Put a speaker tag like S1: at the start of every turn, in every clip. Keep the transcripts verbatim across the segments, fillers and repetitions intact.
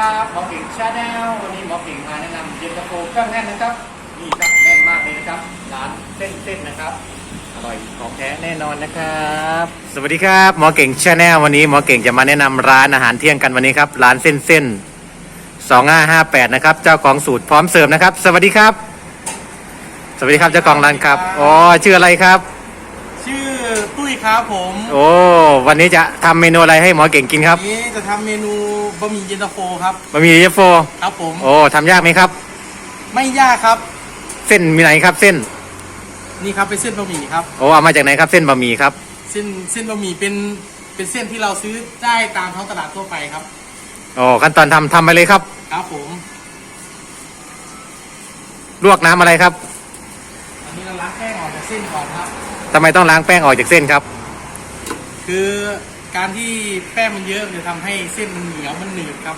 S1: ครับหมอเก่งชาแนลวันนี้หมอเก่งมาแนะนำเย็นตาโฟเครื่องแน่นนะครับนี่ครับแน่นมากเลยนะครับร้านเส้นๆนะครับอร่อยของแท้แน่นอนนะครับสวัสดีครับหมอเก่งชาแนลวันนี้หมอเก่งจะมาแนะนำร้านอาหารเที่ยงกันวันนี้ครับร้านเส้นๆสองห้าห้าแปดนะครับเจ้าของสูตรพร้อมเสิร์ฟนะครับสวัสดีครับสวัสดีครับเจ้าของร้านครับอ๋อชื่ออะไรครับ
S2: ชื่อตุ้ยครับผม
S1: โอ้วันนี้จะทำเมนูอะไรให้หมอเก่งกินครับ
S2: วันนี้จะทำเมนูบะหมี่เย็นตาโฟครับ
S1: บะหมี่เย็นตาโฟ
S2: ครับผม
S1: โอ้ทำยากไหมครับ
S2: ไม่ยากครับ
S1: เส้นมีไหนครับเส้น
S2: นี่ครับเป็นเส้นบะหมี่ครับ
S1: โอ้เอามาจากไหนครับเส้นบะหมี่ครับ
S2: เส้นเส้นบะหมี่เป็นเป็นเส้นที่เราซื้อได้ตามท้องตลาดทั่วไปครับ
S1: โอ้ขั้นตอนทำทำไปเลยครับ
S2: ครับผม
S1: ลวกน้ำอะไรครับ
S2: อันนี้เราล้างแป้งออกจากเส้นก่อนครับ
S1: ทำไมต้องล้างแป้งออกจากเส้นครับ
S2: คือการที่แป้งมันเยอะมันจะทำให้เส้นมันเหนียวมันหนืดครับ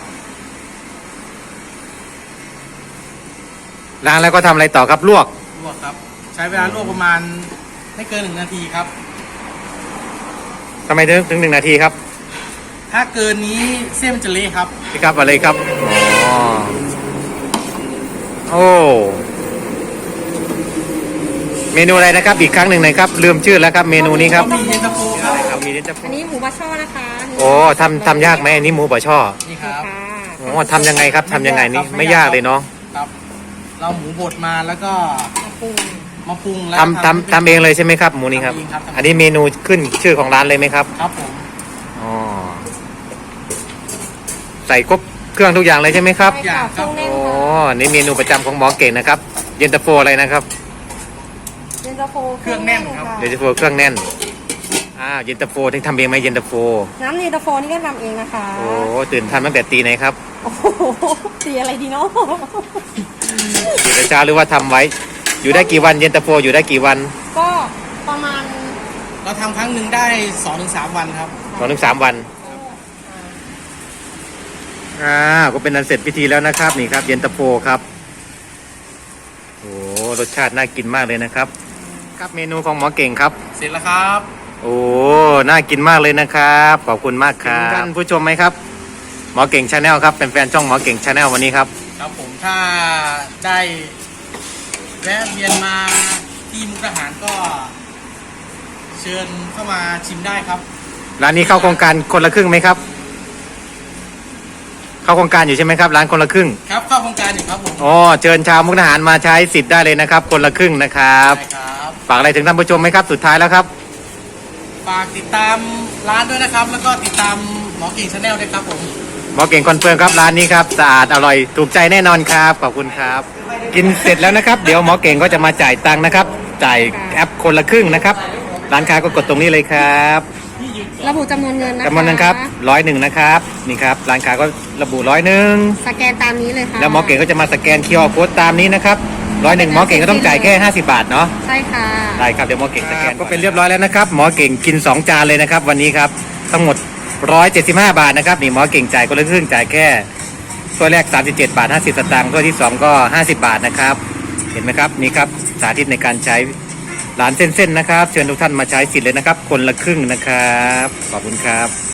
S1: ล้างแล้วก็ทำอะไรต่อครับลวก
S2: ลวกครับใช้เวลาลวกประมาณไม่เกินหนึ่งนาทีครับ
S1: ทำไมถึงถึงหนึ่งนาทีครับ
S2: ถ้าเกินนี้เส้นมันจะเละครับ
S1: นี่ครับอะไรครับอ๋อโอ้เมนูอะไรนะครับอีกครั้งหนึ่งหน่อยครับลืมชื่อแล้วครับเมนูนี้ครับ
S2: มีเย็นตาโฟ
S1: อะไรครับมีเย็นตาโฟ
S3: อันนี้หมูบะช่อนะคะ
S1: โอ้ทำทำยากไหมอันนี้หมูบะช่อ
S2: นี่ครับ
S1: โอ้ทำยังไงครับทำยังไงนี่ไม่ยากเลยเนาะ
S2: ครับเราหมูบดมาแล้วก็
S3: มาปรุง
S2: มาปรุงแล้ว
S1: ทำทำทำเองเลยใช่ไหมครับหมูนี้ครับอันนี้เมนูขึ้นชื่อของร้านเลยไหมครับ
S2: ครับผม
S1: อ๋อใส่ครบเครื่องทุกอย่างเลยใช่ไหมครับ
S3: ใช่ค่ะเครื่องแน่น
S1: อ๋อ
S3: ค่ะ
S1: นี่เมนูประจำของหมอเก่งนะครับเย็นตาโฟอะไรนะครับ
S3: เย็นตาโฟ
S2: เครื่องแน่นครับ
S1: เย็นตาโฟเครื่องแน่นอ่าเย็นตาโฟที่ทำเองไหมเย็นตาโฟ
S3: น้ำเย็นตาโฟนี่ก็ทำเองนะคะ
S1: โอ้ตื่นทันตั้งแต่ตีไหนครับ
S3: โอ้โหตีอะไรดีเนาะ
S1: อยู่แต่เช้าหรือว่าทำไว้อยู่ได้กี่วันเย็นตาโฟอยู่ได้กี่วัน
S3: ก็ประมาณ
S2: เราทำครั้งหนึ่งได้สองถึงสามวันครับ
S1: สองถึงสามวันอ่าก็เป็นอันเสร็จพิธีแล้วนะครับนี่ครับเย็นตาโฟครับโอ้รสชาติน่ากินมากเลยนะครับครับเมนูของหมอเก่งครับ
S2: เสร็จแล้วครับ
S1: โอ้น่ากินมากเลยนะครับขอบคุณมากครับท่านผู้ชมไหมครับหมอเก่งชาแนลครับเป็นแฟนช่องหมอเก่งชาแนลวันนี้ครับ
S2: ครับผมถ้าได้แวะเวียนมาที่มุกดาหารก็เชิญเข้ามาชิมได้ครับ
S1: ร้านนี้เข้าโครงการคนละครึ่งไหมครับเข้าโครงการอยู่ใช่ไหมครับร้านคนละครึ่ง
S2: ครับเข้าโครงการอยู่ครับผม
S1: อ๋อเชิญชาวมุกดาหารมาใช้สิทธิ์ได้เลยนะครับคนละครึ่งนะครับ
S2: ใช่ครับ
S1: ฝากอะไรถึงท่านผู้ชมไหมครับสุดท้ายแล้วครับ
S2: ฝากติดตามร้านด้วยนะครับแล้วก็ติดตามหมอเก่งชาแนลด้วยครับผม
S1: หมอเก่งคอนเฟิร์มครับร้านนี้ครับสะอาดอร่อยถูกใจแน่นอนครับขอบคุณครับกินเสร็จแล้วนะครับเดี๋ยวหมอเก่งก็จะมาจ่ายตังค์นะครับจ่ายแอปคนละครึ่งนะครับร้านค้าก็กดตรงนี้เลยครับ
S3: ระบุจำนวนเงินนะคะ
S1: จำนวนเงินครับร้อยหนึ่งนะครับนี่ครับร้านค้าก็ระบุร้อยหนึ่ง
S3: สแกนตามนี้เลยค่ะ
S1: แล้วหมอเก่งก็จะมาสแกน คิว อาร์ โค้ดตามนี้นะครับร้อยหนึ่งหมอเก่งก็ต้องจ่ายแค่ห้าสิบบาทเนาะ
S3: ใช่ค่ะ
S1: ได้ครับเดี๋ยวหมอเก่งสแกนก็เป็นเรียบร้อยแล้วนะครับหมอเก่งกินสองจานเลยนะครับวันนี้ครับทั้งหมดหนึ่งร้อยเจ็ดสิบห้าบาทนะครับนี่หมอเก่งจ่ายคนละครึ่งจ่ายแค่ถ้วยแรกสามสิบเจ็ดบาทห้าสิบสตางค์ถ้วยที่สองก็ห้าสิบบาทนะครับเห็นไหมครับนี่ครับสาธิตในการใช้ร้านเส้นๆนะครับเชิญทุกท่านมาใช้สิทธิ์เลยนะครับคนละครึ่งนะครับขอบคุณครับ